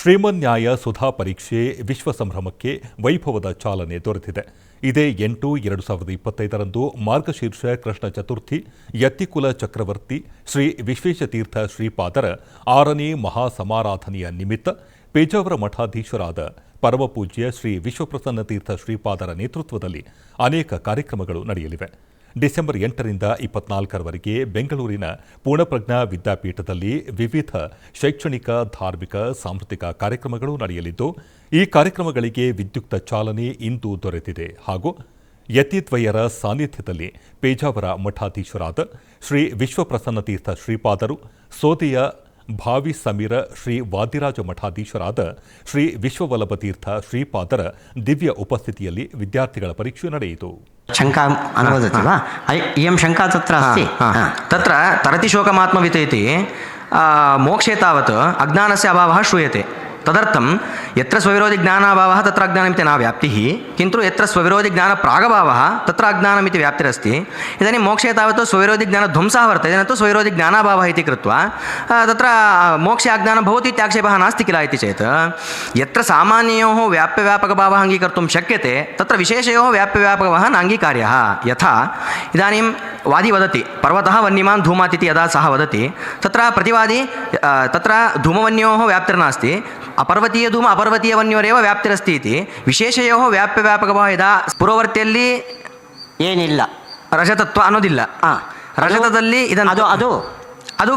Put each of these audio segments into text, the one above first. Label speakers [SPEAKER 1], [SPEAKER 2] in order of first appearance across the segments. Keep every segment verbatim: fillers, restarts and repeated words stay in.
[SPEAKER 1] ಶ್ರೀಮನ್ಯಾಯ ಸುಧಾ ಪರೀಕ್ಷೆ ವಿಶ್ವ ಸಂಭ್ರಮಕ್ಕೆ ವೈಭವದ ಚಾಲನೆ ದೊರೆತಿದೆ. ಇದೇ ಎಂಟು ಎರಡು ಸಾವಿರದ ಇಪ್ಪತ್ತೈದರಂದು ಮಾರ್ಗಶೀರ್ಷ ಕೃಷ್ಣ ಚತುರ್ಥಿ ಯತಿಕುಲ ಚಕ್ರವರ್ತಿ ಶ್ರೀ ವಿಶ್ವೇಶತೀರ್ಥ ಶ್ರೀಪಾದರ ಆರನೇ ಮಹಾಸಮಾರಾಧನೆಯ ನಿಮಿತ್ತ ಪೇಜಾವರ ಮಠಾಧೀಶರಾದ ಪರಮಪೂಜ್ಯ ಶ್ರೀ ವಿಶ್ವಪ್ರಸನ್ನ ತೀರ್ಥ ಶ್ರೀಪಾದರ ನೇತೃತ್ವದಲ್ಲಿ ಅನೇಕ ಕಾರ್ಯಕ್ರಮಗಳು ನಡೆಯಲಿವೆ. ಡಿಸೆಂಬರ್ ಎಂಟರಿಂದ ಇಪ್ಪತ್ನಾಲ್ಕರವರೆಗೆ ಬೆಂಗಳೂರಿನ ಪೂರ್ಣಪ್ರಜ್ಞಾ ವಿದ್ಯಾಪೀಠದಲ್ಲಿ ವಿವಿಧ ಶೈಕ್ಷಣಿಕ, ಧಾರ್ಮಿಕ, ಸಾಂಸ್ಕೃತಿಕ ಕಾರ್ಯಕ್ರಮಗಳು ನಡೆಯಲಿದ್ದು, ಈ ಕಾರ್ಯಕ್ರಮಗಳಿಗೆ ವಿದ್ಯುಕ್ತ ಚಾಲನೆ ಇಂದು ದೊರೆತಿದೆ. ಹಾಗೂ ಯತಿದ್ವಯರ ಸಾನ್ನಿಧ್ಯದಲ್ಲಿ ಪೇಜಾವರ ಮಠಾಧೀಶರಾದ ಶ್ರೀ ವಿಶ್ವಪ್ರಸನ್ನ ತೀರ್ಥ ಶ್ರೀಪಾದರು, ಸೋದೆಯ ಭಾವಿ ಸಮೀರ ಶ್ರೀ ವಾದಿರಾಜ ಮಠಾಧೀಶರಾದ ಶ್ರೀ ವಿಶ್ವವಲ್ಲಭ ತೀರ್ಥ ಶ್ರೀಪಾದರ ದಿವ್ಯ ಉಪಸ್ಥಿತಿಯಲ್ಲಿ ವಿದ್ಯಾರ್ಥಿಗಳ ಪರೀಕ್ಷೆ ನಡೆಯಿತು.
[SPEAKER 2] शङ्का अनुवदति वा? इयं शङ्का तत्र अस्ति.
[SPEAKER 3] तत्र तरति शोकमात्मवित् इति मोक्षे तावत् अज्ञानस्य अभावः श्रूयते. तदर्थं यत्र स्वविरोधि ज्ञानाभावः तत्र अज्ञानमिति न व्याप्तिः, किन्तु यत्र स्वविरोधि ज्ञानप्रागभावः तत्र अज्ञानमिति व्याप्तिरस्ति. इदानीं मोक्षे तावत् स्वविरोधि ज्ञानध्वंसः वर्तते, न तु स्वविरोधि ज्ञानाभावः इति कृत्वा तत्र मोक्षे अज्ञानं भवति इति आक्षेपः नास्ति किल इति चेत्, यत्र सामान्ययोः व्याप्यव्यापकभावः अङ्गीकर्तुं शक्यते तत्र विशेषयोः व्याप्यव्यापकभावः नाङ्गीकार्यः. यथा इदानीं वादी वदति पर्वतः वह्निमान् धूमात् इति यदा सः वदति, तत्र प्रतिवादी तत्र धूमवन्योः व्याप्तिर्नास्ति, ಅಪರ್ವತೀಯ ಧೂಮ ಅಪರ್ವತೀಯ ವನ್ಯೋರೇವ ವ್ಯಾಪ್ತಿರಸ್ತಿ ಇತಿ ವಿಶೇಷಯೋ ವ್ಯಾಪ್ಯವ್ಯಾಪಕಭಾವ ಇದ ಪುರವರ್ತಿಯಲ್ಲಿ
[SPEAKER 2] ಏನಿಲ್ಲ,
[SPEAKER 3] ರಜತತ್ವ ಅನ್ನೋದಿಲ್ಲ. ರಜತದಲ್ಲಿ ಇದನ್ನು
[SPEAKER 2] ಅದು ಅದು
[SPEAKER 3] ಅದು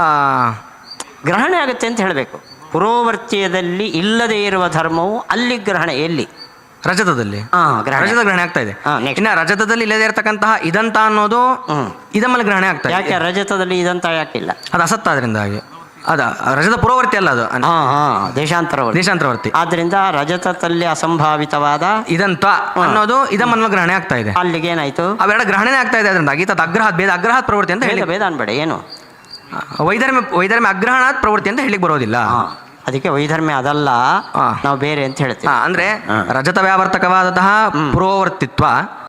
[SPEAKER 2] ಗ್ರಹಣ ಆಗುತ್ತೆ ಅಂತ ಹೇಳಬೇಕು. ಪುರೋವರ್ತಿಯದಲ್ಲಿ ಇಲ್ಲದೇ ಇರುವ ಧರ್ಮವು ಅಲ್ಲಿ ಗ್ರಹಣ ಎಲ್ಲಿ?
[SPEAKER 3] ರಜತದಲ್ಲಿ ರಜತ ಗ್ರಹಣ ಆಗ್ತಾ ಇದೆ.
[SPEAKER 2] ಇನ್ನು
[SPEAKER 3] ರಜತದಲ್ಲಿ ಇಲ್ಲದೇ ಇರತಕ್ಕಂತಹ ಇದಂತ ಅನ್ನೋದು ಇದಮ್ಮಲ್ಲಿ ಗ್ರಹಣ ಆಗ್ತಾ ಇದೆ.
[SPEAKER 2] ಯಾಕೆ ರಜತದಲ್ಲಿ ಇದಂತ ಯಾಕಿಲ್ಲ?
[SPEAKER 3] ಅದು ಅಸತ್ತ, ಅದರಿಂದಾಗಿ ಅದ ರಜತ ಪುರೋವರ್ತಿ ಅಲ್ಲ, ಅದು
[SPEAKER 2] ದೇಶಾಂತರವರ್ತಿ
[SPEAKER 3] ದೇಶಾಂತರವರ್ತಿ
[SPEAKER 2] ಆದ್ರಿಂದ ರಜತದಲ್ಲಿ ಅಸಂಭಾವಿತವಾದ
[SPEAKER 3] ಇದಂತ ಅನ್ನೋದು ಇದಮ್ಮನ್ನು ಗ್ರಹಣ ಆಗ್ತಾ ಇದೆ.
[SPEAKER 2] ಅಲ್ಲಿಗೆ ಏನಾಯ್ತು?
[SPEAKER 3] ಅವೆರಡ ಗ್ರಹಣನೇ ಆಗ್ತಾ ಇದೆ. ಅದರಿಂದಾಗಿ ತದ್ ಅಗ್ರಹ ಭೇದ ಅಗ್ರಹ ಪ್ರವೃತ್ತಿ ಅಂತ ಹೇಳಿ
[SPEAKER 2] ಭೇದ ಅನ್ಬೇಡ, ಏನು
[SPEAKER 3] ವೈಧರ್ಮ್ಯ ವೈಧರ್ಮ್ಯ ಅಗ್ರಹಣಾತ್ ಪ್ರವೃತ್ತಿ ಅಂತ ಹೇಳಿಕ್ ಬರೋದಿಲ್ಲ.
[SPEAKER 2] ಅದಕ್ಕೆ ವೈಧರ್ಮ್ಯ ಅದಲ್ಲ, ನಾವು ಬೇರೆ ಅಂತ ಹೇಳ್ತೀವಿ.
[SPEAKER 3] ಅಂದ್ರೆ ರಜತ ವ್ಯಾವರ್ತಕವಾದಂತಹ ಪುರೋವರ್ತಿತ್ವ